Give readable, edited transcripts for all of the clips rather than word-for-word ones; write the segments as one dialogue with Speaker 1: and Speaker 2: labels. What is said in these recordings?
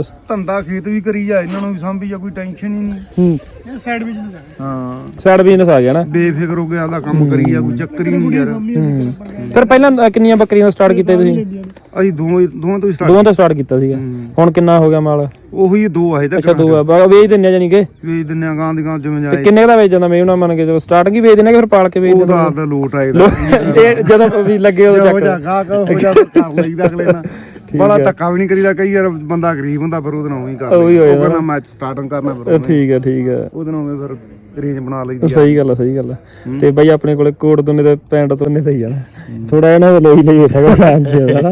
Speaker 1: ਬਸ
Speaker 2: ਧੰਦਾ ਖੇਤ ਵੀ ਕਰੀ ਜਾ, ਇਹਨਾਂ ਨੂੰ ਵੀ ਸਾਂਭੀ ਜਾ, ਕੋਈ ਟੈਨਸ਼ਨ ਹੀ ਨਹੀਂ। ਇਹ ਸਾਈਡ ਬਿਜ਼ਨਸ ਹੈ। ਹਾਂ
Speaker 1: ਸਾਈਡ ਬਿਜ਼ਨਸ ਆ ਗਿਆ ਨਾ,
Speaker 2: ਬੇਫਿਕਰ ਹੋ ਗਿਆ, ਆਪਦਾ ਕੰਮ ਕਰੀ ਜਾ, ਕੋਈ ਚੱਕਰ ਹੀ ਨਹੀਂ ਯਾਰ।
Speaker 1: ਫਿਰ ਪਹਿਲਾਂ ਕਿੰਨੀਆਂ ਬੱਕਰੀਆਂ ਸਟਾਰਟ ਕੀਤਾ ਤੁਸੀਂ?
Speaker 2: ਅਸੀਂ ਦੋਵਾਂ ਤੋਂ
Speaker 1: ਦੋਵਾਂ ਤੋਂ ਸਟਾਰਟ ਕੀਤਾ ਸੀਗਾ। ਹੁਣ ਕਿੰਨਾ ਹੋ ਗਿਆ ਮਾਲ?
Speaker 2: ਉਹੀ 2 ਆਏ ਤਾਂ।
Speaker 1: ਅੱਛਾ 2 ਆ, ਵੇਚ ਦਿੰਦੇ ਆ ਜਾਨੀ ਕਿ?
Speaker 2: ਵੇਚ ਦਿੰਦੇ ਆ, ਗਾਂ ਦੀ ਗਾਂ ਜਿਵੇਂ
Speaker 1: ਤੇ
Speaker 2: ਜਾਏ।
Speaker 1: ਕਿੰਨੇ ਦਾ ਵੇਚ ਜਾਂਦਾ ਮੈਂ ਉਹਨਾਂ ਮੰਨ ਕੇ, ਜਦੋਂ ਸਟਾਰਟਿੰਗ ਹੀ ਵੇਚ ਦਿੰਦੇ ਫਿਰ ਪਾਲ ਕੇ ਵੇਚ ਦਿੰਦੇ?
Speaker 2: ਉਹਦਾ ਆਪਦਾ ਲੋਟ ਆਏਦਾ
Speaker 1: ਜਦੋਂ ਵੀ ਲੱਗੇ ਉਦੋਂ ਚੱਕ
Speaker 2: ਹੋ ਜਾ ਕਰ ਲਈਦਾ ਅਗਲੇ ਨਾਲ। ਬੜਾ ਧੱਕਾ ਵੀ ਨਹੀਂ ਕਰੀਦਾ, ਕਈ ਵਾਰ ਬੰਦਾ ਗਰੀਬ ਹੁੰਦਾ ਫਿਰ ਉਹਦੇ ਨਾਲ ਉਹੀ ਕਰ ਲੈਂਦਾ, ਮੈਂ ਸਟਾਰਟਿੰਗ ਕਰਨਾ ਫਿਰ
Speaker 1: ਠੀਕ ਹੈ ਠੀਕ ਹੈ,
Speaker 2: ਉਹਦੇ ਨਾਲ ਫਿਰ ਰੇਂਜ ਬਣਾ ਲਈਦੀ।
Speaker 1: ਸਹੀ ਗੱਲ ਆ ਸਹੀ ਗੱਲ ਆ। ਤੇ ਬਾਈ ਆਪਣੇ ਕੋਲੇ ਕੋਟ ਦੋਨੇ ਤੇ ਪੈਂਟ ਦੋਨੇ ਤੇ ਹੀ ਜਾਣਾ, ਥੋੜਾ ਇਹਨਾਂ ਦਾ ਲੋਈ ਲਈ ਹੈਗਾ ਫੈਨ ਤੇ ਹਨਾ।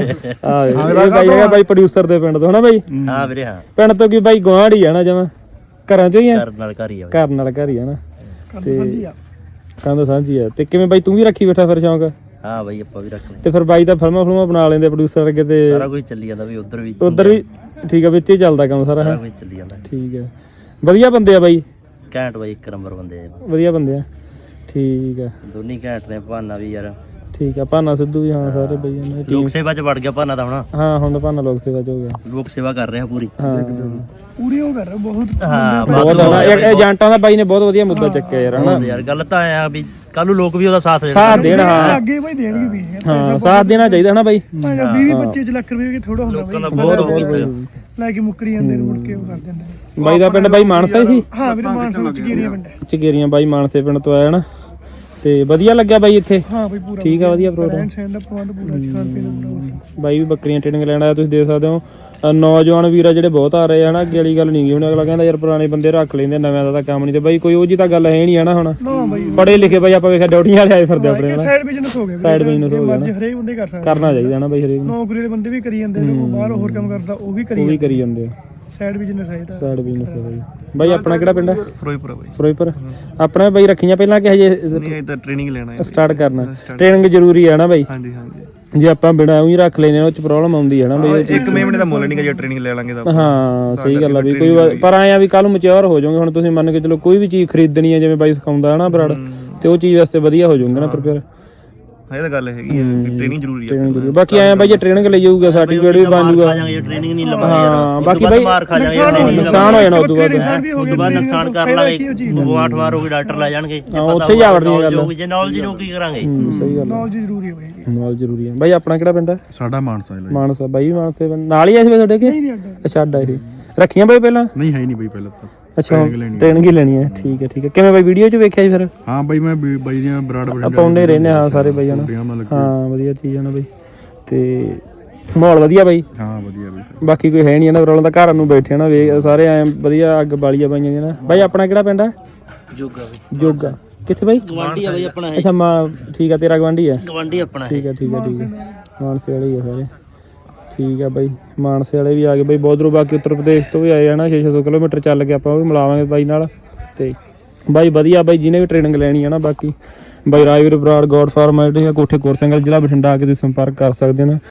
Speaker 1: ਆ ਬਾਈ ਹੈਗਾ ਬਾਈ ਪ੍ਰੋਡਿਊਸਰ ਦੇ ਪਿੰਡ ਤੋਂ ਹਨਾ ਬਾਈ?
Speaker 3: ਹਾਂ ਵੀਰੇ ਹਾਂ।
Speaker 1: ਪਿੰਡ ਤੋਂ ਕੀ ਬਾਈ ਗੁਆਂਢ ਹੀ ਆ ਨਾ, ਜਮਾਂ ਘਰਾਂ ਚੋਂ ਹੀ ਆ?
Speaker 3: ਘਰ ਨਾਲ ਘਰ ਹੀ ਆ,
Speaker 1: ਘਰ ਨਾਲ ਘਰ ਹੀ ਆ ਨਾ, ਤੇ ਕੰਧ ਸਾਂਝੀ ਆ। ਤੇ ਕਿਵੇਂ ਬਾਈ ਤੂੰ ਵੀ ਰੱਖੀ ਬੈਠਾ ਫਿਰ ਸ਼ੌਂਕ?
Speaker 3: ਹਾਂ ਬਾਈ ਆਪਾਂ ਵੀ ਰੱਖ ਲੈ।
Speaker 1: ਤੇ ਫਿਰ ਬਾਈ ਤਾਂ ਫਿਲਮਾਂ ਬਣਾ ਲੈਂਦੇ ਪ੍ਰੋਡਿਊਸਰ ਅੱਗੇ, ਤੇ
Speaker 3: ਸਾਰਾ ਕੁਝ ਚੱਲੀ ਜਾਂਦਾ ਵੀ ਉਧਰ ਵੀ
Speaker 1: ਠੀਕ ਆ, ਵਿੱਚ ਹੀ ਚੱਲਦਾ ਕੰਮ ਸਾਰਾ ਹੈ?
Speaker 3: ਕੁਝ ਚੱਲੀ ਜਾਂਦਾ।
Speaker 1: ਠੀਕ ਹੈ, ਵਧੀਆ ਬੰਦੇ ਆ ਬਾਈ?
Speaker 3: ਘੈਂਟ ਬਾਈ, 1 ਨੰਬਰ ਬੰਦੇ ਆ,
Speaker 1: ਵਧੀਆ ਬੰਦੇ ਆ। ਠੀਕ ਆ,
Speaker 3: ਦੋਨੀ ਘੈਂਟ ਨੇ। ਭਾਨਾ ਵੀ ਯਾਰ
Speaker 1: ਠੀਕ ਆ, ਭਾਨਾ ਸਿੱਧੂ ਵੀ, ਹਾਂ ਸਾਰੇ ਬਈ ਇਹਨਾਂ ਦੀ
Speaker 3: ਲੋਕ ਸੇਵਾ ਚ ਵੜ ਗਿਆ ਭਾਨਾ ਤਾਂ ਹੁਣ।
Speaker 1: ਹਾਂ ਹੁਣ ਤਾਂ ਭਾਨਾ ਲੋਕ ਸੇਵਾ ਚ ਹੋ ਗਿਆ,
Speaker 3: ਲੋਕ ਸੇਵਾ ਕਰ ਰਿਹਾ ਪੂਰੀ।
Speaker 1: ਹਾਂ
Speaker 2: ਪੂਰੀ ਉਹ ਕਰ ਰਿਹਾ ਬਹੁਤ।
Speaker 3: ਹਾਂ
Speaker 1: ਬਹੁਤ ਏਜੰਟਾਂ ਦਾ ਬਾਈ ਨੇ ਬਹੁਤ ਵਧੀਆ ਮੁੱਦਾ ਚੱਕਿਆ ਯਾਰ ਹਨਾ
Speaker 3: ਯਾਰ। ਗੱਲ ਤਾਂ ਆ ਵੀ ਕੱਲ ਨੂੰ ਲੋਕ ਵੀ ਉਹਦਾ ਸਾਥ
Speaker 1: ਦੇਣ। ਹਾਂ
Speaker 2: ਅੱਗੇ ਬਾਈ ਦੇਣਗੇ ਵੀ,
Speaker 1: ਹਾਂ ਸਾਥ ਦੇਣਾ ਚਾਹੀਦਾ ਹਨਾ ਬਾਈ।
Speaker 2: 20-25 ਲੱਖ ਰੁਪਏ ਥੋੜਾ ਹੁੰਦਾ
Speaker 3: ਲੋਕਾਂ ਦਾ ਬਹੁਤ
Speaker 2: ਲੈ ਕੇ ਮੁੱਕਰੀ ਜਾਂਦੇ ਨੇ, ਮੁੜ ਕੇ ਉਹ ਕਰ ਦਿੰਦੇ।
Speaker 1: ਬਾਈ ਦਾ ਪਿੰਡ ਬਾਈ ਮਾਨਸਾ ਹੀ ਸੀ?
Speaker 2: ਹਾਂ ਵੀਰੇ ਮਾਨਸਾ ਵਿੱਚ ਚਗੇਰੀਆਂ ਪਿੰਡ।
Speaker 1: ਚਗੇਰੀਆਂ ਬਾਈ ਮਾਨਸੇ ਪਿੰਡ ਤੋਂ ਆਇਆ ਨਾ, ਤੇ ਵਧੀਆ ਲੱਗਿਆ ਬਾਈ ਇੱਥੇ?
Speaker 2: ਹਾਂ ਬਾਈ ਪੂਰਾ
Speaker 1: ਠੀਕ ਆ, ਵਧੀਆ ਪ੍ਰੋਗਰਾਮ।
Speaker 2: ਦਾ ਪ੍ਰਬੰਧ ਪੂਰਾ, ਖਾਣ ਪੀਣ ਦਾ ਪੂਰਾ।
Speaker 1: ਬਾਈ ਵੀ ਬੱਕਰੀਆਂ ਟ੍ਰੇਨਿੰਗ ਲੈਣ ਆਇਆ, ਤੁਸੀਂ ਦੇਖ ਸਕਦੇ ਹੋ। ਨੌਜਵਾਨ ਵੀਰ ਆ ਜਿਹੜੇ ਬਹੁਤ ਆ ਰਹੇ ਆ ਨਾ, ਅੱਗੇ ਵਾਲੀ ਗੱਲ ਨਹੀਂ ਗਈ। ਹੁਣ ਅਗਲਾ ਕਹਿੰਦਾ ਯਾਰ ਪੁਰਾਣੇ ਬੰਦੇ ਰੱਖ ਲੈਂਦੇ, ਨਵਿਆਂ ਦਾ ਤਾਂ ਕੰਮ ਨਹੀਂ। ਤੇ ਬਾਈ ਕੋਈ ਉਹ ਜੀ ਤਾਂ ਗੱਲ ਹੈ ਨਹੀਂ ਹੈ ਨਾ। ਹੁਣ ਪੜ੍ਹੇ ਲਿਖੇ ਬਾਈ ਆਪਾਂ ਵੇਖਿਆ ਡਿਊਟੀਆਂ ਵਾਲੇ ਆਏ ਫਿਰਦੇ ਆਪਣੇ ਨਾਲ।
Speaker 2: ਸਾਈਡ ਬਿਜ਼ਨਸ ਹੋ ਗਿਆ,
Speaker 1: ਸਾਈਡ ਬਿਜ਼ਨਸ ਹੋ ਗਿਆ ਨਾ,
Speaker 2: ਹਰੇਕ ਬੰਦੇ ਕਰ ਸਕਦਾ,
Speaker 1: ਕਰਨਾ ਚਾਹੀਦਾ ਨਾ ਬਾਈ ਹਰੇਕ ਨੂੰ।
Speaker 2: ਨੌਕਰੀ ਵਾਲੇ ਬੰਦੇ ਵੀ ਕਰੀ ਜਾਂਦੇ ਨੇ, ਬਾਹਰ ਹੋਰ ਕੰਮ ਕਰਦਾ ਉਹ ਵੀ ਕਰੀ
Speaker 1: ਜਾਂਦੇ ਆ।
Speaker 2: ਸਾਈਡ ਬਿਜ਼ਨਸ ਹੈ ਇਹਦਾ।
Speaker 1: ਸਾਈਡ ਬਿਜ਼ਨਸ ਹੈ ਬਾਈ। ਬਾਈ ਆਪਣਾ ਕਿਹੜਾ ਪਿੰਡ ਹੈ?
Speaker 2: ਫਿਰੋਜ਼ਪੁਰ ਬਾਈ।
Speaker 1: ਫਿਰੋਜ਼ਪੁਰ। ਆਪਣਾ ਬਾਈ ਰੱਖੀਆਂ ਪਹਿਲਾਂ ਕਿ ਹਜੇ
Speaker 2: ਨਹੀਂ, ਤਾਂ ਟ੍ਰੇਨਿੰਗ ਲੈਣਾ ਹੈ,
Speaker 1: ਸਟਾਰਟ ਕਰਨਾ? ਟ੍ਰੇਨਿੰਗ ਜ਼ਰੂਰੀ ਹੈ ਨਾ ਬਾਈ?
Speaker 2: ਹਾਂਜੀ ਹਾਂਜੀ।
Speaker 1: ਜੇ ਆਪਾਂ ਬਿਨਾਂ ਉਹੀ ਰੱਖ ਲੈਨੇ ਉਹ ਚ ਪ੍ਰੋਬਲਮ ਆਉਂਦੀ ਹੈ ਨਾ ਬਾਈ।
Speaker 2: 1 ਮਹੀਨੇ ਦਾ ਮੁੱਲ ਨਹੀਂਗਾ ਜੇ ਟ੍ਰੇਨਿੰਗ ਲੈ ਲਾਂਗੇ ਤਾਂ।
Speaker 1: ਹਾਂ ਸਹੀ ਗੱਲ ਆ ਵੀ ਕੋਈ, ਪਰ ਆਇਆ ਵੀ ਕੱਲ ਨੂੰ ਮੈਚੁਰ ਹੋ ਜਾਓਗੇ। ਹੁਣ ਤੁਸੀਂ ਮੰਨ ਕੇ ਚਲੋ ਕੋਈ ਵੀ ਚੀਜ਼ ਖਰੀਦਣੀ ਹੈ, ਜਿਵੇਂ ਬਾਈ ਸਿਖਾਉਂਦਾ ਹਨਾ ਬਰਾੜ, ਤੇ ਉਹ ਚੀਜ਼ ਵਾਸਤੇ ਵਧੀਆ ਹੋ ਜਾਊਗਾ ਨਾ ਪ੍ਰਪੇਅਰ।
Speaker 2: ਇਹ ਤਾਂ ਗੱਲ ਹੈਗੀ ਹੈ, ਟ੍ਰੇਨਿੰਗ ਜ਼ਰੂਰੀ ਹੈ।
Speaker 1: ਬਾਕੀ ਆਇਆ ਬਾਈ ਜੇ ਟ੍ਰੇਨਿੰਗ ਲਈ ਜਾਊਗਾ ਸਰਟੀਫਿਕੇਟ ਵੀ ਬਣ ਜਾਊਗਾ।
Speaker 3: ਟ੍ਰੇਨਿੰਗ ਨਹੀਂ ਲਵਾਂਗੇ
Speaker 1: ਹਾਂ ਬਾਕੀ ਬਾਈ
Speaker 3: ਮਾਰ ਖਾ ਜਾਾਂਗੇ,
Speaker 1: ਨੁਕਸਾਨ ਹੋ ਜਾਣਾ ਉਦੋਂ ਬਾਅਦ।
Speaker 3: ਉਦੋਂ ਬਾਅਦ ਨੁਕਸਾਨ ਕਰ ਲਾਂਗੇ, 8 ਵਾਰ ਹੋ ਗਏ ਡਾਕਟਰ ਲੈ ਜਾਣਗੇ।
Speaker 1: ਉੱਥੇ ਜਾ ਵੜਨੀ ਗੱਲ।
Speaker 3: ਜੇ ਨੌਲੇਜ ਨੂੰ ਕੀ ਕਰਾਂਗੇ?
Speaker 1: ਸਹੀ ਗੱਲ,
Speaker 2: ਨੌਲੇਜ ਜ਼ਰੂਰੀ ਹੈ ਬਾਈ,
Speaker 1: ਨੌਲੇਜ ਜ਼ਰੂਰੀ ਹੈ ਬਾਈ। ਆਪਣਾ ਕਿਹੜਾ ਪਿੰਡ ਹੈ?
Speaker 2: ਸਾਡਾ ਮਾਨਸਾ ਹੈ।
Speaker 1: ਮਾਨਸਾ ਬਾਈ, ਮਾਨਸੇ ਨਾਲ ਹੀ ਆ ਸੀ ਤੁਹਾਡੇ ਕੇ? ਅੱਛਾ ਅੱਡਾ ਇਹ ਰੱਖੀਆਂ ਬਾਈ ਪਹਿਲਾਂ?
Speaker 2: ਨਹੀਂ ਹੈ ਨਹੀਂ ਬਾਈ ਪਹਿਲਾਂ ਤਾਂ।
Speaker 1: ਅੱਛਾ ਟ੍ਰੇਨਿੰਗ ਹੀ ਲੈਣੀ ਹੈ, ਠੀਕ ਹੈ ਠੀਕ ਹੈ। ਕਿਵੇਂ ਬਾਈ ਵੀਡੀਓ 'ਚ ਵੇਖਿਆ ਸੀ ਫਿਰ?
Speaker 2: ਹਾਂ ਬਾਈ ਮੈਂ ਬਾਈ ਦੀਆਂ ਬਰਾੜ
Speaker 1: ਆਪਾਂ ਉਹਨੇ ਰਹਿੰਦੇ ਹਾਂ ਸਾਰੇ ਬਾਈ ਹਨਾ। ਹਾਂ ਵਧੀਆ ਚੀਜ਼ ਹੈ ਨਾ ਬਾਈ, ਤੇ ਮਾਹੌਲ ਵਧੀਆ ਬਾਈ?
Speaker 2: ਹਾਂ ਵਧੀਆ ਬਾਈ।
Speaker 1: ਬਾਕੀ ਕੋਈ ਹੈ ਨਹੀਂ ਨਾ ਪ੍ਰੋਬਲਮ, ਤਾਂ ਘਰਾਂ ਨੂੰ ਬੈਠੇ ਨਾ ਵੇ ਸਾਰੇ ਐ ਵਧੀਆ, ਅੱਗ ਬਾਲੀਆਂ ਪਾਈਆਂ ਨੇ ਨਾ ਬਾਈ। ਆਪਣਾ ਕਿਹੜਾ ਪਿੰਡ ਹੈ?
Speaker 3: ਜੋਗਾ ਬਾਈ।
Speaker 1: ਜੋਗਾ ਕਿੱਥੇ ਬਾਈ?
Speaker 3: ਗਵਾਂਢੀ ਆ ਬਾਈ ਆਪਣਾ।
Speaker 1: ਅੱਛਾ ਠੀਕ ਆ, ਤੇਰਾ ਗਵਾਂਢੀ ਹੈ?
Speaker 3: ਗਵਾਂਢੀ ਆਪਣਾ।
Speaker 1: ਠੀਕ ਹੈ ਠੀਕ ਹੈ ਠੀਕ ਹੈ, ਮਾਨਸੇ ਵਾਲੇ ਹੀ ਆ ਸਾਰੇ। ਠੀਕ ਆ ਬਾਈ, ਮਾਨਸੇ ਵਾਲੇ ਵੀ ਆ ਗਏ ਬਾਈ ਬਹੁਤ ਦੂਰੋਂ। ਬਾਕੀ ਉੱਤਰ ਪ੍ਰਦੇਸ਼ ਤੋਂ ਵੀ ਆਏ ਆ ਨਾ, 600 ਕਿਲੋਮੀਟਰ ਚੱਲ ਕੇ ਆਪਾਂ ਉਹ ਵੀ ਮਿਲਾਵਾਂਗੇ ਬਾਈ ਨਾਲ। ਤੇ ਬਾਈ ਵਧੀਆ ਬਾਈ, ਜਿਹਨੇ ਵੀ ਟ੍ਰੇਨਿੰਗ ਲੈਣੀ ਹੈ ਨਾ। ਬਾਕੀ ਬਾਈ ਰਾਜਵੀਰ ਬਰਾੜ ਗੋਡ ਫਾਰਮ ਕੋਠੇ ਕੋਰ ਸਿੰਘਲ ਜ਼ਿਲ੍ਹਾ ਬਠਿੰਡਾ ਆ ਕੇ ਤੁਸੀਂ ਸੰਪਰਕ ਕਰ ਸਕਦੇ ਹੋ ਨਾ।